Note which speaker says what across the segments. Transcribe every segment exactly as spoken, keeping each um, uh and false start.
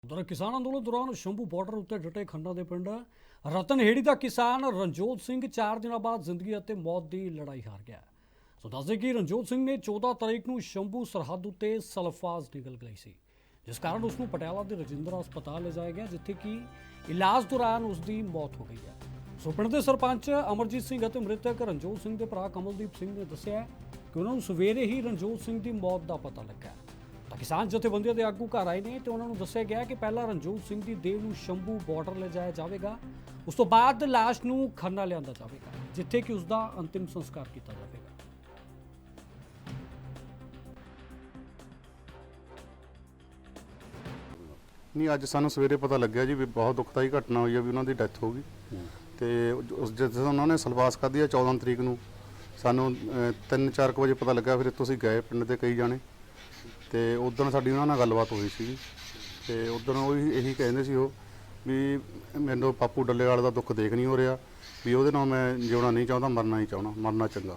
Speaker 1: ਉਧਰ ਕਿਸਾਨ ਅੰਦੋਲਨ ਦੌਰਾਨ ਸ਼ੰਭੂ ਬਾਰਡਰ ਉੱਤੇ ਡਟੇ ਖੰਡਾ ਦੇ ਪਿੰਡ ਰਤਨਹੇੜੀ ਦਾ ਕਿਸਾਨ ਰਣਜੋਤ ਸਿੰਘ ਚਾਰ ਦਿਨਾਂ ਬਾਅਦ ਜ਼ਿੰਦਗੀ ਅਤੇ ਮੌਤ ਦੀ ਲੜਾਈ ਹਾਰ ਗਿਆ। ਸੋ ਦੱਸਦੇ ਕਿ ਰਣਜੋਤ ਸਿੰਘ ਨੇ ਚੌਦਾਂ ਤਰੀਕ ਨੂੰ ਸ਼ੰਭੂ ਸਰਹੱਦ ਉੱਤੇ ਸਲਫਾਜ਼ ਨਿਕਲ ਗਈ ਸੀ, ਜਿਸ ਕਾਰਨ ਉਸ ਨੂੰ ਪਟਿਆਲਾ ਦੇ ਰਜਿੰਦਰਾ ਹਸਪਤਾਲ ਲਿਜਾਇਆ ਗਿਆ, ਜਿੱਥੇ ਕਿ ਇਲਾਜ ਦੌਰਾਨ ਉਸ ਦੀ ਮੌਤ ਹੋ ਗਈ ਹੈ। ਸੋ ਪਿੰਡ ਦੇ ਸਰਪੰਚ ਅਮਰਜੀਤ ਸਿੰਘ ਅਤੇ ਮ੍ਰਿਤਕ ਰਣਜੋਤ ਸਿੰਘ ਦੇ ਭਰਾ ਕਮਲਦੀਪ ਸਿੰਘ ਨੇ ਦੱਸਿਆ ਕਿ ਉਹਨਾਂ ਨੂੰ ਸਵੇਰੇ ਹੀ ਰਣਜੋਤ ਸਿੰਘ ਦੀ ਮੌਤ ਦਾ ਪਤਾ ਲੱਗਾ। ਤਾਂ ਕਿਸਾਨ ਜਥੇਬੰਦੀਆਂ ਦੇ ਆਗੂ ਘਰ ਆਏ ਨੇ ਤੇ ਉਹਨਾਂ ਨੂੰ ਦੱਸਿਆ ਗਿਆ ਕਿ ਪਹਿਲਾਂ ਰਣਜੋਤ ਸਿੰਘ ਦੀ ਦੇਹ ਨੂੰ ਸ਼ੰਭੂ ਬਾਰਡਰ ਲਿਜਾਇਆ ਜਾਵੇਗਾ, ਉਸ ਤੋਂ ਬਾਅਦ ਲਾਸ਼ ਨੂੰ ਖੰਨਾ ਲਿਆਂਦਾ ਜਾਵੇਗਾ, ਜਿੱਥੇ ਕਿ ਉਸ ਦਾ ਅੰਤਿਮ ਸੰਸਕਾਰ ਕੀਤਾ ਜਾਵੇਗਾ।
Speaker 2: ਨਹੀਂ, ਅੱਜ ਸਾਨੂੰ ਸਵੇਰੇ ਪਤਾ ਲੱਗਿਆ ਜੀ ਵੀ ਬਹੁਤ ਦੁਖਦਾਈ ਘਟਨਾ ਹੋਈ ਹੈ, ਵੀ ਉਹਨਾਂ ਦੀ ਡੈਥ ਹੋ ਗਈ। ਤੇ ਉਸ ਜਦੋਂ ਉਹਨਾਂ ਨੇ ਸਲਵਾਸ ਖਾਧੀ ਆ ਚੌਦਾਂ ਤਰੀਕ ਨੂੰ, ਸਾਨੂੰ ਤਿੰਨ ਚਾਰ ਕੁ ਵਜੇ ਪਤਾ ਲੱਗਾ। ਫਿਰ ਇੱਥੋਂ ਅਸੀਂ ਗਏ ਪਿੰਡ ਦੇ ਕਈ ਜਾਣੇ, ਤੇ ਉਦੋਂ ਸਾਡੀ ਉਹਨਾਂ ਨਾਲ ਗੱਲਬਾਤ ਹੋਈ ਸੀ। ਤੇ ਉਦੋਂ ਉਹ ਇਹੀ ਕਹਿੰਦੇ ਸੀ ਉਹ ਵੀ ਮੈਨੂੰ ਪਾਪੂ ਡੱਲੇਵਾਲ ਦਾ ਦੁੱਖ ਦੇਖ ਨਹੀਂ ਹੋ ਰਿਹਾ, ਵੀ ਉਹਦੇ ਨਾਲ ਮੈਂ ਜਿਉਣਾ ਨਹੀਂ ਚਾਹੁੰਦਾ, ਮਰਨਾ ਹੀ ਚਾਹੁੰਦਾ, ਮਰਨਾ ਚੰਗਾ।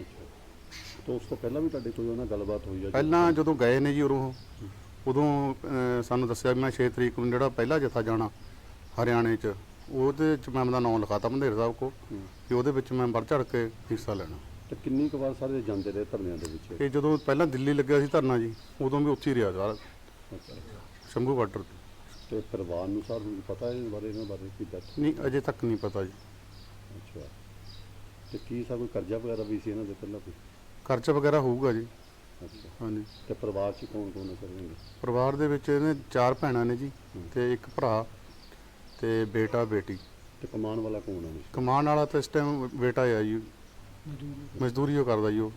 Speaker 3: ਤਾਂ ਉਸ ਤੋਂ ਪਹਿਲਾਂ ਵੀ ਤੁਹਾਡੇ ਕੋਈ ਉਹਨਾਂ ਗੱਲਬਾਤ ਹੋਈ ਹੈ?
Speaker 2: ਪਹਿਲਾਂ ਜਦੋਂ ਗਏ ਨੇ ਜੀ ਉਦੋਂ ਉਦੋਂ ਸਾਨੂੰ ਦੱਸਿਆ ਵੀ ਮੈਂ ਛੇ ਤਰੀਕ ਨੂੰ ਜਿਹੜਾ ਪਹਿਲਾ ਜਥਾ ਜਾਣਾ ਹਰਿਆਣੇ 'ਚ, ਉਹਦੇ 'ਚ ਮੈਂ ਆਪਣਾ ਨਾਮ ਲਿਖਾਤਾ ਬੰਦੇਰ ਸਾਹਿਬ ਕੋ, ਕਿ ਉਹਦੇ ਵਿੱਚ ਮੈਂ ਵੱਧ ਚੜ੍ਹ ਕੇ ਹਿੱਸਾ ਲੈਣਾ।
Speaker 3: ਤੇ ਕਿੰਨੀ ਕੁ ਵਾਰ ਸਾਰੇ ਜਾਂਦੇ ਰਹੇ ਧਰਨਿਆਂ ਦੇ ਵਿੱਚ?
Speaker 2: ਇਹ ਜਦੋਂ ਪਹਿਲਾਂ ਦਿੱਲੀ ਲੱਗਿਆ ਸੀ ਧਰਨਾ ਜੀ, ਉਦੋਂ ਵੀ ਉੱਥੇ ਹੀ ਰਿਹਾ ਸਾਰਾ ਸ਼ੰਭੂ ਬਾਰਡਰ ਤੇ।
Speaker 3: ਤੇ ਪਰਿਵਾਰ ਨੂੰ ਸਾਰ ਨੂੰ ਪਤਾ ਹੈ ਇਸ ਬਾਰੇ, ਇਹਨਾਂ ਬਾਰੇ ਕੀ ਦੱਸ?
Speaker 2: ਨਹੀਂ, ਅਜੇ ਤੱਕ ਨਹੀਂ ਪਤਾ ਜੀ।
Speaker 3: ਅੱਛਾ, ਤੇ ਕੀ ਸਾ ਕੋਈ ਕਰਜ਼ਾ ਵਗੈਰਾ ਵੀ ਸੀ ਇਹਨਾਂ ਦੇ ਪਹਿਲਾਂ ਕੋਈ?
Speaker 2: ਖਰਚਾ ਵਗੈਰਾ ਹੋਊਗਾ ਜੀ।
Speaker 3: ਅੱਛਾ,
Speaker 2: ਹਾਂਜੀ।
Speaker 3: ਤੇ ਪਰਿਵਾਰ 'ਚ ਕੌਣ ਕੌਣ ਕਰਨਗੇ?
Speaker 2: ਪਰਿਵਾਰ ਦੇ ਵਿੱਚ ਇਹਨੇ ਚਾਰ ਭੈਣਾਂ ਨੇ ਜੀ, ਤੇ ਇੱਕ ਭਰਾ ਤੇ ਬੇਟਾ ਬੇਟੀ।
Speaker 3: ਤੇ ਕਮਾਉਣ ਵਾਲਾ ਕੌਣ ਹੈ?
Speaker 2: ਕਮਾਉਣ ਵਾਲਾ ਤਾਂ ਇਸ ਟਾਈਮ ਬੇਟਾ ਆ ਜੀ, ਮਜ਼ਦੂਰੀ ਉਹ ਕਰਦਾ ਜੀ ਉਹ।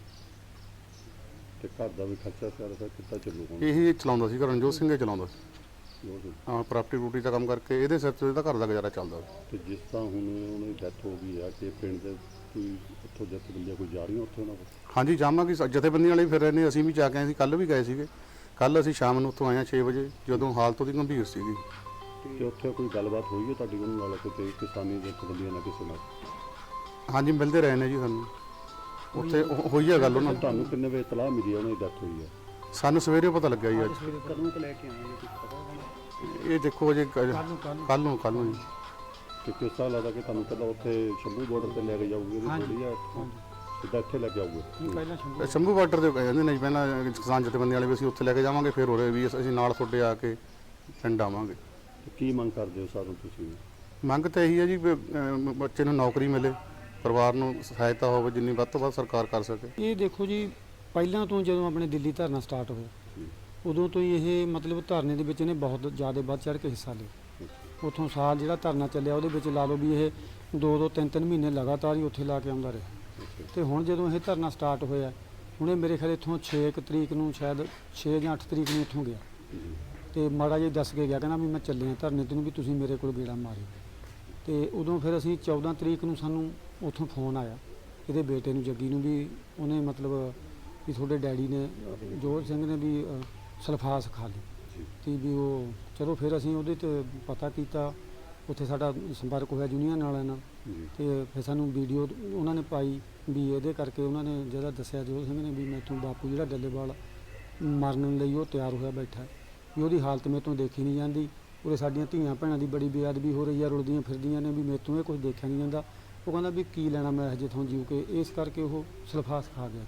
Speaker 3: ਤੇ ਘਰ ਦਾ ਵੀ ਖਰਚਾ ਸਾਰਾ ਸਰ ਕਿੱਦਾਂ ਚੱਲੂ? ਕੌਣ
Speaker 2: ਇਹੀ ਚਲਾਉਂਦਾ ਸੀ, ਰਣਜੋਤ ਸਿੰਘ ਹੀ ਚਲਾਉਂਦਾ ਸੀ।
Speaker 3: ਜੋ ਵੀ।
Speaker 2: ਹਾਂ, ਪ੍ਰਾਪਰਟੀ ਰੂਟੀ ਦਾ ਕੰਮ ਕਰਕੇ ਇਹਦੇ ਸਿਰ ਤੋਂ ਇਹਦਾ ਘਰ ਦਾ ਗੁਜ਼ਾਰਾ ਚੱਲਦਾ।
Speaker 3: ਤੇ ਜਿਸ ਤਰ੍ਹਾਂ ਹੁਣ ਉਹਨਾਂ ਦੀ ਡੈਥ ਹੋ ਗਈ ਆ, ਕਿ ਪਿੰਡ ਦੇ ਕੋਈ ਉੱਥੋਂ ਜਥੇਬੰਦੀਆਂ ਕੋਈ ਜਾ ਰਹੀਆਂ ਉੱਥੇ ਉਹਨਾਂ ਕੋਲ?
Speaker 2: ਹਾਂਜੀ, ਜਾਵਾਂਗੇ। ਜਥੇਬੰਦੀਆਂ ਵਾਲੇ ਫਿਰ ਰਹੇ ਨੇ, ਅਸੀਂ ਵੀ ਜਾ ਕੇ ਆਏ ਸੀ, ਕੱਲ੍ਹ ਵੀ ਗਏ ਸੀਗੇ। ਕੱਲ੍ਹ ਅਸੀਂ ਸ਼ਾਮ ਨੂੰ ਉੱਥੋਂ ਆਏ ਹਾਂ ਛੇ ਵਜੇ, ਜਦੋਂ ਹਾਲਤ ਉਹਦੀ ਗੰਭੀਰ ਸੀਗੀ।
Speaker 3: ਤੇ ਉੱਥੇ ਕੋਈ ਗੱਲਬਾਤ ਹੋਈ ਹੈ ਤੁਹਾਡੀ ਉਹਨਾਂ ਨਾਲ, ਕੋਈ ਕਿਸਾਨੀ ਜਥੇਬੰਦੀਆਂ ਨਾਲ ਕਿਸੇ ਨਾਲ?
Speaker 2: ਹਾਂਜੀ, ਮਿਲਦੇ ਰਹੇ ਨੇ ਜੀ ਸਾਨੂੰ, ਉੱਥੇ ਹੋ- ਹੋਈ ਆ ਗੱਲ ਉਹਨਾਂ ਨਾਲ।
Speaker 3: ਤੁਹਾਨੂੰ ਕਿੰਨੇ ਵਜੇ ਇਤਲਾਹ ਮਿਲੀ ਹੈ ਉਹਨਾਂ ਦੀ ਡੈਥ ਹੋਈ ਹੈ?
Speaker 2: ਸਾਨੂੰ ਸਵੇਰੇ ਪਤਾ ਲੱਗਿਆ ਜੀ। ਅੱਜ
Speaker 1: ਕਦੋਂ ਤੋਂ ਲੈ ਕੇ ਆਏ ਕੁਝ ਪਤਾ
Speaker 2: ਇਹ ਦੇਖੋ ਅਜੇ ਕੱਲ੍ਹ ਨੂੰ ਕੱਲ੍ਹ ਨੂੰ ਜੀ।
Speaker 3: ਕਿ ਕਿਸ ਤਰ੍ਹਾਂ ਲੱਗਦਾ ਕਿ ਤੁਹਾਨੂੰ ਪਹਿਲਾਂ ਉੱਥੇ ਸ਼ੰਭੂ ਬਾਰਡਰ ਤੇ ਲੈ ਕੇ ਜਾਊਗੇ, ਥੋੜੀ ਜਿਹਾ ਸਿੱਧਾ ਇੱਥੇ ਲੈ ਕੇ ਆਊਗੇ?
Speaker 1: ਪਹਿਲਾਂ ਸ਼ੰਭੂ
Speaker 2: ਸ਼ੰਭੂ ਬਾਰਡਰ ਤੇ ਕਹਿੰਦੇ ਨੇ ਜੀ, ਪਹਿਲਾਂ ਕਿਸਾਨ ਜਥੇਬੰਦੀਆਂ ਵਾਲੇ ਵੀ ਅਸੀਂ ਉੱਥੇ ਲੈ ਕੇ ਜਾਵਾਂਗੇ, ਫਿਰ ਹੋ ਰਹੇ ਵੀ ਅਸੀਂ ਨਾਲ ਤੁਹਾਡੇ ਆ ਕੇ ਪਿੰਡ ਆਵਾਂਗੇ।
Speaker 3: ਤੇ ਕੀ ਮੰਗ ਕਰਦੇ ਹੋ ਸਾਨੂੰ ਤੁਸੀਂ?
Speaker 2: ਮੰਗ ਤਾਂ ਇਹੀ ਹੈ ਜੀ ਵੀ ਅਮ, ਬੱਚੇ ਨੂੰ ਨੌਕਰੀ ਮਿਲੇ, ਪਰਿਵਾਰ ਨੂੰ ਸਹਾਇਤਾ ਹੋਵੇ, ਜਿੰਨੀ ਵੱਧ ਤੋਂ ਵੱਧ ਸਰਕਾਰ ਕਰ ਸਕੇ।
Speaker 4: ਇਹ ਦੇਖੋ ਜੀ, ਪਹਿਲਾਂ ਤੋਂ ਜਦੋਂ ਆਪਣੇ ਦਿੱਲੀ ਧਰਨਾ ਸਟਾਰਟ ਹੋਇਆ, ਉਦੋਂ ਤੋਂ ਹੀ ਇਹ ਮਤਲਬ ਧਰਨੇ ਦੇ ਵਿੱਚ ਇਹਨੇ ਬਹੁਤ ਜ਼ਿਆਦਾ ਵੱਧ ਚੜ੍ਹ ਕੇ ਹਿੱਸਾ ਲਿਆ। ਉੱਥੋਂ ਸਾਲ ਜਿਹੜਾ ਧਰਨਾ ਚੱਲਿਆ ਉਹਦੇ ਵਿੱਚ ਲਾ ਲਓ ਵੀ ਇਹ ਦੋ ਦੋ ਤਿੰਨ ਤਿੰਨ ਮਹੀਨੇ ਲਗਾਤਾਰ ਹੀ ਉੱਥੇ ਲਾ ਕੇ ਆਉਂਦਾ ਰਿਹਾ। ਤੇ ਹੁਣ ਜਦੋਂ ਇਹ ਧਰਨਾ ਸਟਾਰਟ ਹੋਇਆ, ਹੁਣੇ ਮੇਰੇ ਖਿਆਲ ਇੱਥੋਂ ਛੇ ਕੁ ਤਰੀਕ ਨੂੰ, ਸ਼ਾਇਦ ਛੇ ਜਾਂ ਅੱਠ ਤਰੀਕ ਨੂੰ ਇੱਥੋਂ ਗਿਆ, ਤੇ ਮਾੜਾ ਜਿਹਾ ਦੱਸ ਕੇ ਗਿਆ, ਕਹਿੰਦਾ ਵੀ ਮੈਂ ਚੱਲਿਆ ਧਰਨੇ ਤੇ ਨੂੰ, ਵੀ ਤੁਸੀਂ ਮੇਰੇ ਕੋਲ ਗੇੜਾ ਮਾਰਿਓ। ਤੇ ਉਦੋਂ ਫਿਰ ਅਸੀਂ ਚੌਦਾਂ ਤਰੀਕ ਨੂੰ ਸਾਨੂੰ ਉੱਥੋਂ ਫੋਨ ਆਇਆ ਇਹਦੇ ਬੇਟੇ ਨੂੰ, ਜੱਗੀ ਨੂੰ, ਵੀ ਉਹਨੇ ਮਤਲਬ ਵੀ ਤੁਹਾਡੇ ਡੈਡੀ ਨੇ ਜੋਤ ਸਿੰਘ ਨੇ ਵੀ ਸਲਫਾਸ ਖਾ ਲਈ ਤੇ ਵੀ ਉਹ। ਚਲੋ ਫਿਰ ਅਸੀਂ ਉਹਦੇ 'ਤੇ ਪਤਾ ਕੀਤਾ, ਉੱਥੇ ਸਾਡਾ ਸੰਪਰਕ ਹੋਇਆ ਯੂਨੀਅਨ ਵਾਲਿਆਂ ਨਾਲ, ਤੇ ਫਿਰ ਸਾਨੂੰ ਵੀਡੀਓ ਉਹਨਾਂ ਨੇ ਪਾਈ ਵੀ ਇਹਦੇ ਕਰਕੇ ਉਹਨਾਂ ਨੇ ਜਿਹੜਾ ਦੱਸਿਆ ਜੋਤ ਸਿੰਘ ਨੇ ਵੀ ਮੈਥੋਂ ਬਾਪੂ ਜਿਹੜਾ ਡੱਲੇਵਾਲ ਮਰਨ ਲਈ ਉਹ ਤਿਆਰ ਹੋਇਆ ਬੈਠਾ, ਵੀ ਉਹਦੀ ਹਾਲਤ ਮੈਥੋਂ ਦੇਖੀ ਨਹੀਂ ਜਾਂਦੀ, ਉਰੇ ਸਾਡੀਆਂ ਧੀਆਂ ਭੈਣਾਂ ਦੀ ਬੜੀ ਬੇਅਦਬੀ ਹੋ ਰਹੀ ਆ, ਰੁਲਦੀਆਂ ਫਿਰਦੀਆਂ ਨੇ, ਵੀ ਮੈਥੋਂ ਇਹ ਕੁਝ ਦੇਖਿਆ ਨਹੀਂ ਜਾਂਦਾ। ਉਹ ਕਹਿੰਦਾ ਵੀ ਕੀ ਲੈਣਾ ਮੈਂ ਇਹ ਜਿੱਥੋਂ ਜੀਉ ਕੇ, ਇਸ ਕਰਕੇ ਉਹ ਸਲਫਾਸ ਖਾ ਗਿਆ।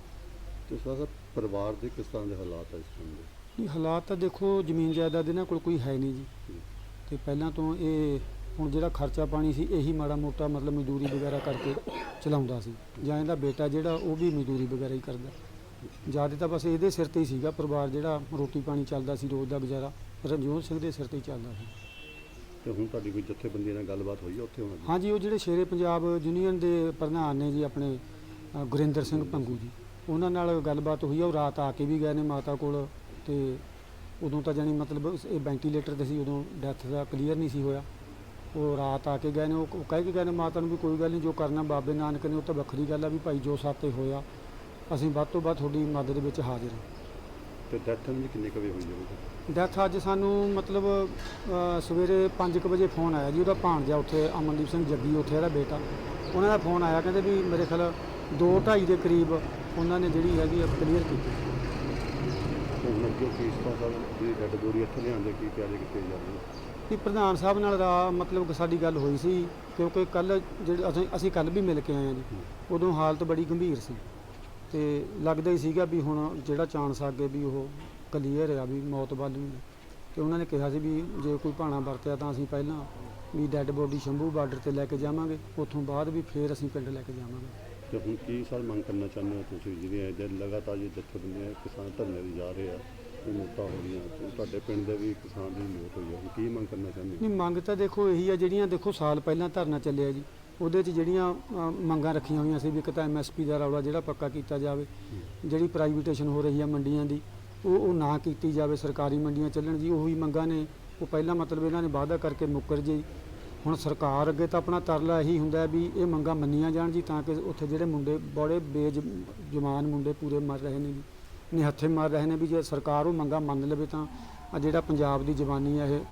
Speaker 3: ਤੇ ਸਰ ਪਰਿਵਾਰ ਦੇ ਕਿਸ ਤਰ੍ਹਾਂ ਦੇ ਹਾਲਾਤ ਹੈ ਇਸ ਟਾਈਮ ਦੇ?
Speaker 4: ਨਹੀਂ, ਹਾਲਾਤ ਤਾਂ ਦੇਖੋ ਜ਼ਮੀਨ ਜਾਇਦਾਦ ਇਹਨਾਂ ਕੋਲ ਕੋਈ ਹੈ ਨਹੀਂ ਜੀ, ਤੇ ਪਹਿਲਾਂ ਤੋਂ ਇਹ ਹੁਣ ਜਿਹੜਾ ਖਰਚਾ ਪਾਣੀ ਸੀ ਇਹੀ ਮਾੜਾ ਮੋਟਾ ਮਤਲਬ ਮਜ਼ਦੂਰੀ ਵਗੈਰਾ ਕਰਕੇ ਚਲਾਉਂਦਾ ਸੀ, ਜਾਂ ਇਹਦਾ ਬੇਟਾ ਜਿਹੜਾ ਉਹ ਵੀ ਮਜ਼ਦੂਰੀ ਵਗੈਰਾ ਹੀ ਕਰਦਾ। ਜ਼ਿਆਦਾ ਤਾਂ ਬਸ ਇਹਦੇ ਸਿਰ ਤੇ ਹੀ ਸੀਗਾ ਪਰਿਵਾਰ, ਜਿਹੜਾ ਰੋਟੀ ਪਾਣੀ ਚੱਲਦਾ ਸੀ ਰੋਜ਼ ਦਾ ਗੁਜ਼ਾਰਾ ਰਣਜੋਤ ਸਿੰਘ ਦੇ ਸਿਰ ਤੇ ਹੀ ਚੱਲਦਾ ਸੀ।
Speaker 3: ਤੇ ਹੁਣ ਤੁਹਾਡੀ ਕੋਈ ਜਥੇਬੰਦੀਆਂ ਨਾਲ ਗੱਲਬਾਤ ਹੋਈ ਉੱਥੇ ਹੁਣ?
Speaker 4: ਹਾਂਜੀ, ਉਹ ਜਿਹੜੇ ਸ਼ੇਰੇ ਪੰਜਾਬ ਯੂਨੀਅਨ ਦੇ ਪ੍ਰਧਾਨ ਨੇ ਜੀ ਆਪਣੇ ਗੁਰਿੰਦਰ ਸਿੰਘ ਭੰਗੂ ਜੀ, ਉਹਨਾਂ ਨਾਲ ਗੱਲਬਾਤ ਹੋਈ ਆ। ਉਹ ਰਾਤ ਆ ਕੇ ਵੀ ਗਏ ਨੇ ਮਾਤਾ ਕੋਲ, ਤੇ ਉਦੋਂ ਤਾਂ ਜਾਣੀ ਮਤਲਬ ਇਹ ਵੈਂਟੀਲੇਟਰ 'ਤੇ ਸੀ, ਉਦੋਂ ਡੈਥ ਦਾ ਕਲੀਅਰ ਨਹੀਂ ਸੀ ਹੋਇਆ। ਉਹ ਰਾਤ ਆ ਕੇ ਗਏ ਨੇ, ਉਹ ਕਹਿ ਕੇ ਗਏ ਨੇ ਮਾਤਾ ਨੂੰ ਵੀ ਕੋਈ ਗੱਲ ਨਹੀਂ, ਜੋ ਕਰਨਾ ਬਾਬੇ ਨਾਨਕ ਨੇ ਉਹ ਤਾਂ ਵੱਖਰੀ ਗੱਲ ਆ, ਵੀ ਭਾਈ ਜੋ ਸਾਤੇ ਹੋਇਆ ਅਸੀਂ ਵੱਧ ਤੋਂ ਵੱਧ ਤੁਹਾਡੀ ਮਦਦ ਵਿੱਚ ਹਾਜ਼ਰ ਹਾਂ।
Speaker 3: ਤੇ ਡੈਥ ਵੀ ਕਿੰਨੇ ਕੁ ਵਜੇ ਹੋਈ ਜਾਊਗੀ?
Speaker 4: ਡੈਥ ਅੱਜ ਸਾਨੂੰ ਮਤਲਬ ਸਵੇਰੇ ਪੰਜ ਕੁ ਵਜੇ ਫੋਨ ਆਇਆ ਜੀ, ਉਹਦਾ ਭਾਣਜਾ ਉੱਥੇ ਅਮਨਦੀਪ ਸਿੰਘ ਜੱਗੀ, ਉੱਥੇ ਇਹਦਾ ਬੇਟਾ, ਉਹਨਾਂ ਦਾ ਫੋਨ ਆਇਆ, ਕਹਿੰਦੇ ਵੀ ਮੇਰੇ ਖਿਆਲ ਦੋ ਢਾਈ ਦੇ ਕਰੀਬ ਉਹਨਾਂ ਨੇ ਜਿਹੜੀ ਹੈਗੀ ਕਲੀਅਰ ਕੀਤੀ।
Speaker 3: ਹੁਣ ਜੋ ਫੀਸ ਤੋਂ ਸਭ ਦੀ ਡੈਡ ਬੋਡੀ ਇੱਥੇ ਲਿਆਉਂਦੇ ਕੀ ਤਿਆਰੀ ਕੀਤੀ ਜਾ ਰਹੀ ਹੈ?
Speaker 4: ਵੀ ਪ੍ਰਧਾਨ ਸਾਹਿਬ ਨਾਲ ਰਾ ਮਤਲਬ ਕਿ ਸਾਡੀ ਗੱਲ ਹੋਈ ਸੀ, ਕਿਉਂਕਿ ਕੱਲ ਜਿਹੜੇ ਅਸੀਂ ਅਸੀਂ ਕੱਲ ਵੀ ਮਿਲ ਕੇ ਆਏ ਹਾਂ ਜੀ, ਉਦੋਂ ਹਾਲਤ ਬੜੀ ਗੰਭੀਰ ਸੀ ਤੇ ਲੱਗਦਾ ਹੀ ਸੀਗਾ ਵੀ ਹੁਣ ਜਿਹੜਾ ਚਾਂਸ ਅੱਗੇ ਵੀ ਉਹ ਕਲੀਅਰ ਆ ਵੀ ਮੌਤ ਵੱਲ ਨੂੰ। ਤੇ ਉਹਨਾਂ ਨੇ ਕਿਹਾ ਸੀ ਵੀ ਜੇ ਕੋਈ ਭਾਣਾ ਵਰਤਿਆ ਤਾਂ ਅਸੀਂ ਪਹਿਲਾਂ ਵੀ ਡੈੱਡ ਬੋਡੀ ਸ਼ੰਭੂ ਬਾਰਡਰ ਤੇ ਲੈ ਕੇ ਜਾਵਾਂਗੇ, ਉੱਥੋਂ ਬਾਅਦ ਵੀ ਫੇਰ ਅਸੀਂ ਪਿੰਡ ਲੈ ਕੇ ਜਾਵਾਂਗੇ।
Speaker 3: ਤੇ ਹੁਣ ਕੀ ਸਰ ਮੰਗ ਕਰਨਾ ਚਾਹੁੰਦੇ ਹੋ ਤੁਸੀਂ, ਜਿਹੜੀਆਂ ਜੇ ਲਗਾਤਾਰ ਜੇ ਜਥੇਬੰਦੀਆਂ ਕਿਸਾਨ ਧਰਨੇ ਦੀ ਜਾ ਰਹੇ ਆ, ਇਹ ਮੌਤਾਂ ਹੋ ਰਹੀਆਂ, ਤੇ ਤੁਹਾਡੇ ਪਿੰਡ ਦੇ ਵੀ ਕਿਸਾਨ ਦੀ ਮੌਤ ਹੋਈ ਆ, ਹੁਣ ਕੀ ਮੰਗ ਕਰਨਾ ਚਾਹੁੰਦੇ ਹੋ?
Speaker 4: ਨਹੀਂ, ਮੰਗ ਤਾਂ ਦੇਖੋ ਇਹੀ ਆ, ਜਿਹੜੀਆਂ ਦੇਖੋ ਸਾਲ ਪਹਿਲਾਂ ਧਰਨਾ ਚੱਲਿਆ ਜੀ, ਉਹਦੇ 'ਚ ਜਿਹੜੀਆਂ ਅ, ਮੰਗਾਂ ਰੱਖੀਆਂ ਹੋਈਆਂ ਸੀ ਵੀ ਇੱਕ ਤਾਂ ਐਮ ਐਸ ਪੀ ਦਾ ਰੌਲਾ ਜਿਹੜਾ ਪੱਕਾ ਕੀਤਾ ਜਾਵੇ, ਜਿਹੜੀ ਪ੍ਰਾਈਵੇਟੇਸ਼ਨ ਹੋ ਰਹੀ ਆ ਮੰਡੀਆਂ ਦੀ ਉਹ ਉਹ ਨਾ ਕੀਤੀ ਜਾਵੇ, ਸਰਕਾਰੀ ਮੰਡੀਆਂ ਚੱਲਣ ਜੀ, ਉਹੀ ਮੰਗਾਂ ਨੇ। ਉਹ ਪਹਿਲਾਂ ਮਤਲਬ ਇਹਨਾਂ ਨੇ ਵਾਅਦਾ ਕਰਕੇ ਮੁੱਕਰ ਜੀ। ਹੁਣ ਸਰਕਾਰ ਅੱਗੇ ਤਾਂ ਆਪਣਾ ਤਰਲਾ ਇਹੀ ਹੁੰਦਾ ਵੀ ਇਹ ਮੰਗਾਂ ਮੰਨੀਆਂ ਜਾਣ ਜੀ, ਤਾਂ ਕਿ ਉੱਥੇ ਜਿਹੜੇ ਮੁੰਡੇ ਬੜੇ ਬੇਜਮਾਨ ਮੁੰਡੇ ਪੂਰੇ ਮਰ ਰਹੇ ਨੇ ਜੀ, ਨਿਹੱਥੇ ਮਰ ਰਹੇ ਨੇ, ਵੀ ਜੇ ਸਰਕਾਰ ਉਹ ਮੰਗਾਂ ਮੰਨ ਲਵੇ ਤਾਂ ਆ ਜਿਹੜਾ ਪੰਜਾਬ ਦੀ ਜਵਾਨੀ ਆ ਇਹ